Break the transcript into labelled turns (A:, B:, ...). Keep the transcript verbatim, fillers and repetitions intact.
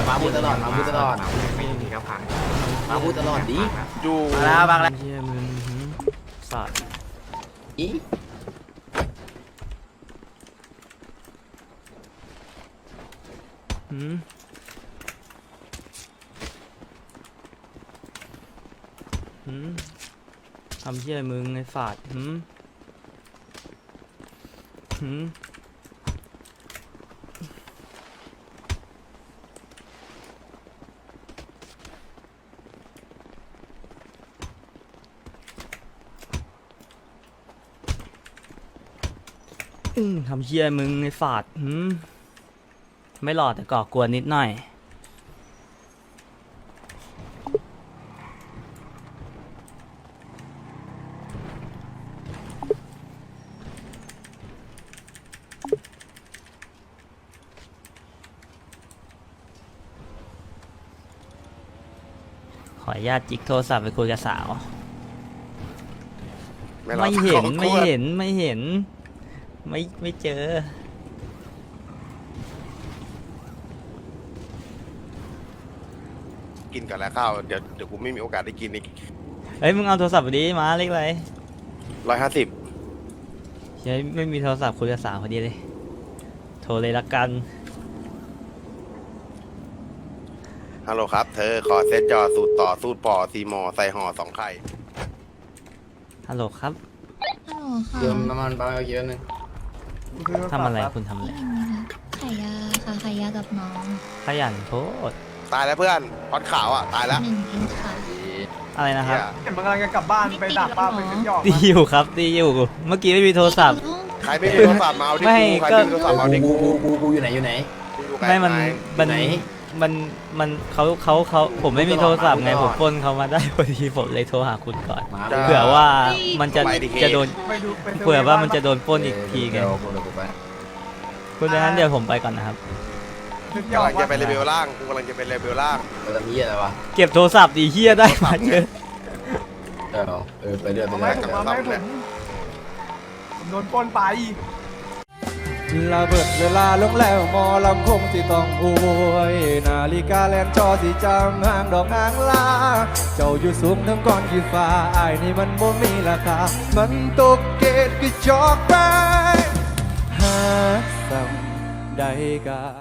A: มาพูดตลอดมาพูดตลอด
B: ไม่มีกระพัง
A: มาพูดตลอดดิ
C: อยู่
D: มาแล้วบางแล้ว
B: เชี่ยมึงสัตว์
A: อี
B: หืมหืมทำเชี่ยมึงไอ้สัตว์หืมหืมอืมทำเชี่ยมึงไอ้สัตว์หืมไม่หลอดแต่ก่อกวนนิดหน่อยขออนุญาตจิกโทรศัพท์ไปคุยกับสาว ไม่เห็นไม่เห็นไม่เห็นไม่ไม่เจอ
C: กินกันแล้วข้าวเดี๋ยวเดี๋ยวกูไม่มีโอกาสได้กินอีก
B: เฮ้ยมึงเอาโทรศัพท์ไปดิมาเล็กไร
C: ร้อยห้าสิบ
B: ใช่ไม่มีโทรศัพท์คุยกับสาวพอดีเลยโทรเลยละกัน
C: ฮัลโหลครับเธอขอเซตจอสูตรต่อสูตรปอซีมอใส่ห่อสองไข่
B: ฮัลโหลครับ
E: ฮัลโหลค่ะ
A: เติมน้ำมันไปเยอะนึง
B: ทำอะไรคุณทำอะไร
E: ขายยาค่ะขายยากับน้อง
B: ขยันโพด
C: ตายแล้วเพื่อนพอดขาวอ่ะตายแล้ว
E: หนึ่งเองค่ะ
B: อะไรนะครับ
C: เหี้ย
F: เห็นมันกำลังจะกลับบ้านไปดักบ้านไปขึ้นยอด
B: ตีอยู่ครับตีอยู่เมื่อกี้ไม่มีโทรศัพท์
C: ใครไม่มีโทรศัพท์มาเอาที่
B: ไม่
C: กูใคร
B: ก็
C: ไม่มีโทรศัพท์มาเอาที่
A: กู
C: กู
A: กูกูกูอยู่ไหนอยู่ไหน
C: อยู่ไกล
B: ไม่มัน
C: ไป
B: มัน
A: ไหน
B: มันมันเขาเขาเขาผมไม่มีโทรศัพท์ไง
A: พู
B: ผ
A: ดตลอด
B: มปล้นเขามาได้พอดีผมเลยโทรหาคุณก่อน
A: มา
C: จ้า
B: เผื่อว่ามันจะ
C: ไปดิ
B: จะโดน
F: ไปดูไปดู
B: เผื่อว่ามันจะโดนปล้นอีกทีไง
A: เดี๋ยวกูเดี๋ยวกูไป
B: คุณดังนั้นเดี๋ยวผมไปก่อนนะครับ
F: ขึ้นยอก
C: ำลั
F: ด
C: งจะไปเลเวลล่างกูกำลังจะไปเลเวลล่าง
A: เราจะมีอะไรวะ
B: เก็บโทรศัพท์ดีเฮียได้มาเจอ
A: เออเออไปเรื่อยไป
F: เอา
A: เรื่
F: ไว้
A: อย
F: ผมเอาไว้ผมผมโดนปล้นไป
G: ลาเบิดเวลาลงแล้วหมอลำคงสิต้องอวยนาฬิกาแลนจอสิจำห่างดอกหางลา เจ้าอยู่สูงทั้งก้อนขี้ฟ้าอายนี่มันบ่มีราคา มันตกเกตกี่จอกไปหาซ้ำใดกา